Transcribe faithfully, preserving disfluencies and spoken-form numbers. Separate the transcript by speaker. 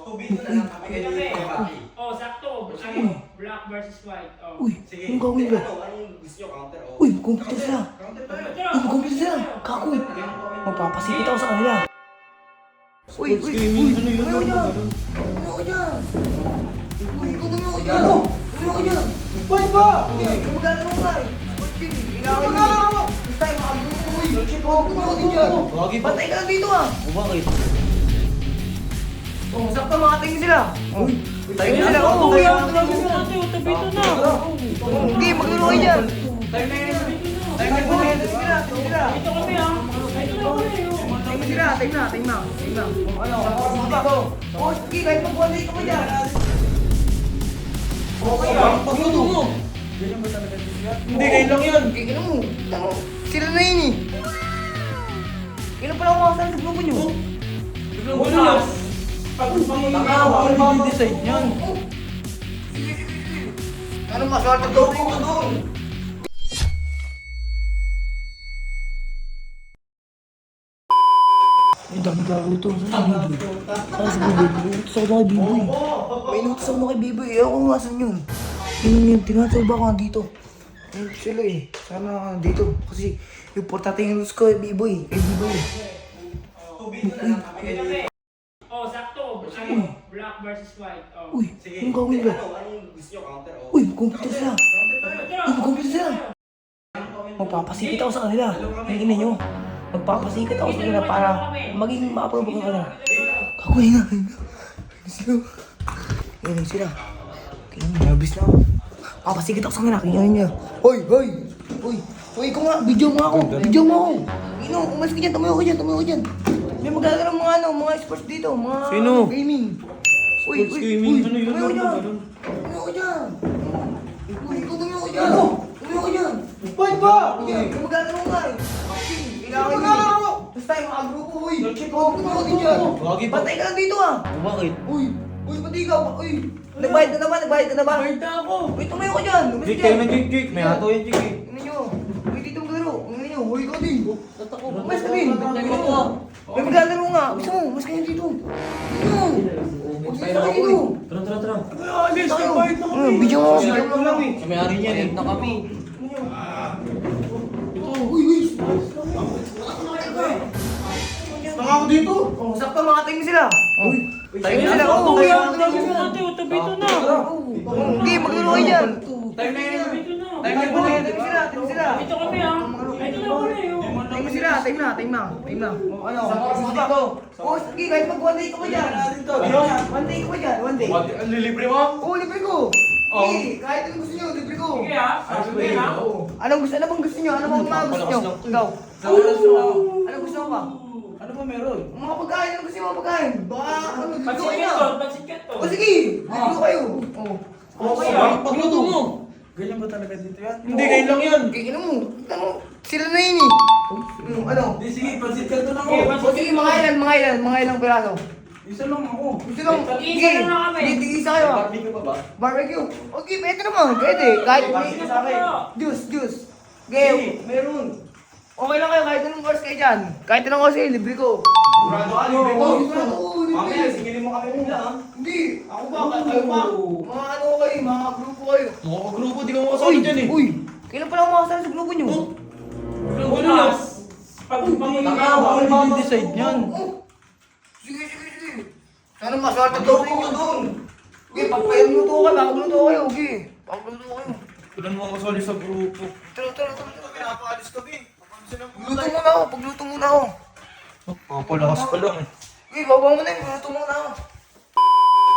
Speaker 1: Tubig na lang kami kayo
Speaker 2: Kami.
Speaker 1: yung bati.
Speaker 2: Oh, sakto. Ano, black versus white. Oh.
Speaker 3: Uy,
Speaker 1: Sige.
Speaker 3: anong gawin ba?
Speaker 1: Ano, ano yung gusto nyo? Counter o?
Speaker 3: Uy, computer sila.
Speaker 1: Counter tayo.
Speaker 3: Uy, computer sila. Kako. Magpapasikit ako sa kanila. Uy, uy, uy. Ano yun? Ano yun? Ano ko dyan? Uy, ikaw na ako dyan. Ano ko dyan? Uy, ba? Kamagana mo nga eh. Kailangan mo. Gusto tayo makabuto. Uy, huwag mo ako din dyan. Patay ka lang dito ah.
Speaker 4: O bakit?
Speaker 3: Oh, sakto mga tingin sila. Uy, tayo na sila.
Speaker 2: Oh,
Speaker 3: Oh,
Speaker 2: tayo
Speaker 3: tayo
Speaker 2: na
Speaker 3: na
Speaker 2: sila. Tabi ito na.
Speaker 3: Hindi, maglaro kayo dyan.
Speaker 1: Tayo na yun.
Speaker 3: Tayo na sila. Tayo sila.
Speaker 2: Ito kami ah. Ito na kami.
Speaker 3: Tayo na sila. Tayo na. Tayo na. Tayo na. Ano? Dito. Oh, sige, kahit mag-one ka pa dyan. Okay ah.
Speaker 4: Pagluto mo! Hindi, kayo lang yun!
Speaker 3: Eh, ano mo? Ano? Sila na yun eh. Kailan pala kumakasal sa grupo nyo?
Speaker 2: Bukas.
Speaker 4: Tanga, ako mag-decide yan!
Speaker 3: Ano maswerte daw ko doon? Ay, dami gago ito. Saan si Biboy? Saan si Biboy? Inutos ako na kay Biboy. May inutos ako na kay Biboy. Eh, ako nga saan yun? Yun yun, tinatawag ba ako nandito? Ayun sila eh. Sana dito. Kasi yung portate yung inutos ko kay Biboy. Kay Biboy.
Speaker 1: Tubig na lang kami kayo.
Speaker 2: Oh, sakto. Ano, black versus white. Oh.
Speaker 3: Uy,
Speaker 1: Sige.
Speaker 3: anong gawin ba?
Speaker 1: Ano, ano yung gusto nyo? Counter o?
Speaker 3: Uy, computer sila.
Speaker 1: Counter tayo.
Speaker 3: Uy, computer sila. Magpapasikit ako sa kanila. Ang ina nyo. Magpapasikit ako sa kanila para maging ma-approve ako kanila. Kakuha na. Sila. Ayun na sila. Kaya nervous na ako. Papasikit ako sa kanila. Kaya niya. Hoy, hoy. Hoy. Hoy, ikaw nga. Video mo ako. Video mo ako. Ino, umalis ka dyan. Tumayo ka dyan. Tumayo ka dyan. May magagawa ng mga ano, mga sports dito. Mga
Speaker 4: Sino?
Speaker 3: gaming. Uy,
Speaker 4: Sports
Speaker 3: uy,
Speaker 4: gaming?
Speaker 3: uy.
Speaker 4: Ano yun?
Speaker 3: Tumayo ka dyan.
Speaker 4: Ano?
Speaker 3: Tumayo ka dyan. Uy, ikaw tumayo ka dyan. Tumayo ka dyan.
Speaker 4: Ba't ba?
Speaker 3: Uy, magagawa mo nga eh. Kailangan mo. Basta tayo mga grupo, uy. Huwag tumayo ka din dyan.
Speaker 4: Bakit?
Speaker 3: Patay ka lang dito ah.
Speaker 4: O bakit?
Speaker 3: Uy, uy, pati ikaw. Uy, nagbayad ka na ba? Nagbayad ka na ba?
Speaker 4: Bayad na ako!
Speaker 3: Uy, tumayo ka dyan. Umalis
Speaker 4: Jake,
Speaker 3: ka
Speaker 4: kayo
Speaker 3: dyan.
Speaker 4: na Jake, Jake! May hato yan, Jake eh!
Speaker 3: Ano nyo? Uy, dito ang laro. Ano nyo? Uy, ikaw din. Umalis ka din.
Speaker 4: Tayo mo!
Speaker 3: May maglalaro nga. Gusto mo, mas kayo dito. Ano? Huwag dito kayo dito.
Speaker 4: Tara, tara, tara!
Speaker 3: Alis, nagbayad na kami. Bigyan mo ako, bigyan mo lang eh.
Speaker 4: Sa may-ari niyan eh! Na kami!
Speaker 3: Uy, uy.
Speaker 4: Tanga ako dito!
Speaker 3: Oh, sakto mga tingin sila. Uy, tingin sila.
Speaker 2: Sakto
Speaker 3: Oh,
Speaker 2: yan.
Speaker 3: tingin
Speaker 2: Tabi
Speaker 3: sila.
Speaker 2: ito. Tabi ito na.
Speaker 3: Hindi, maglaro kayo dyan.
Speaker 4: Tayo na yun!
Speaker 2: Tabi ito na.
Speaker 3: Time na po, time sila, time sila.
Speaker 2: Ito kami ah. Ito na kami. oh.
Speaker 3: Time sila, time na, time na, time na. O ano, dito. O, sige, kahit mag one day ka pa dyan. One day ka pa dyan, one day.
Speaker 4: Ang lilibre mo?
Speaker 3: Oo, libre ko. Sige, kahit anong gusto nyo, libre ko.
Speaker 2: Sige ah. Sige ah.
Speaker 3: Anong gusto, ano bang gusto nyo? Ano bang mga gusto nyo? Ikaw. Anong gusto mo pa?
Speaker 4: Ano ba meron?
Speaker 3: Mga pagkain, ano gusto nyo mga pagkain? Baka, ano, libre ko
Speaker 2: Pansikat
Speaker 3: kayo.
Speaker 2: to. Pansikat to.
Speaker 3: O sige, libre ko kayo. O.
Speaker 2: Okay ah.
Speaker 4: Pagluto mo!
Speaker 1: Ganyan ba talaga dito yan?
Speaker 4: Hindi, kayo lang yun!
Speaker 3: Kaya mo, ano, sila na yun eh. Hmm, ano?
Speaker 1: Hindi, sige, pansit ka doon ako.
Speaker 2: Okay,
Speaker 3: O sige, mga ilan, mga ilan, mga ilang piraso.
Speaker 1: Isa lang ako.
Speaker 3: Gusto lang,
Speaker 2: Tag-iisa lang na kami.
Speaker 3: Hindi, tig-isa kayo ah.
Speaker 1: Barbecue pa ba?
Speaker 3: Barbecue. Okay, pwede naman, pwede. Kahit may
Speaker 1: Barbecue sa akin.
Speaker 3: juice, juice. Gayo.
Speaker 1: Meron.
Speaker 3: Okay lang kayo, kahit anong course kayo dyan. Kahit anong course kayo, libre ko.
Speaker 1: Sigurado ka, libre ko.
Speaker 3: Oo, sigurado ko, libre.
Speaker 1: Mamaya, singilin mo kami muna ha.
Speaker 3: Hindi, ako ba, kahit kayo ba? Mga ano kayo, mga grupo kayo.
Speaker 4: Mga grupo, di ka makasali dyan eh!
Speaker 3: Uy, kailan pala ako makasali sa grupo nyo?
Speaker 2: Bukas. Pag
Speaker 4: Tanga, ako mag-decide yan!
Speaker 3: Oh, sige, sige, sige. Sana maswerte daw ko doon. Okay, pagpayagluto ka, pakagluto kayo, okay. Pakagluto kayo.
Speaker 4: Kailan mo makasali sa grupo?
Speaker 3: Tara, tara, tara. tara.
Speaker 1: Pinapaalis kami.
Speaker 3: Pagluto muna ako, pagluto muna ako.
Speaker 4: Papalakas pa lang eh!
Speaker 3: Okay, baba mo na yun, pagluto muna ako.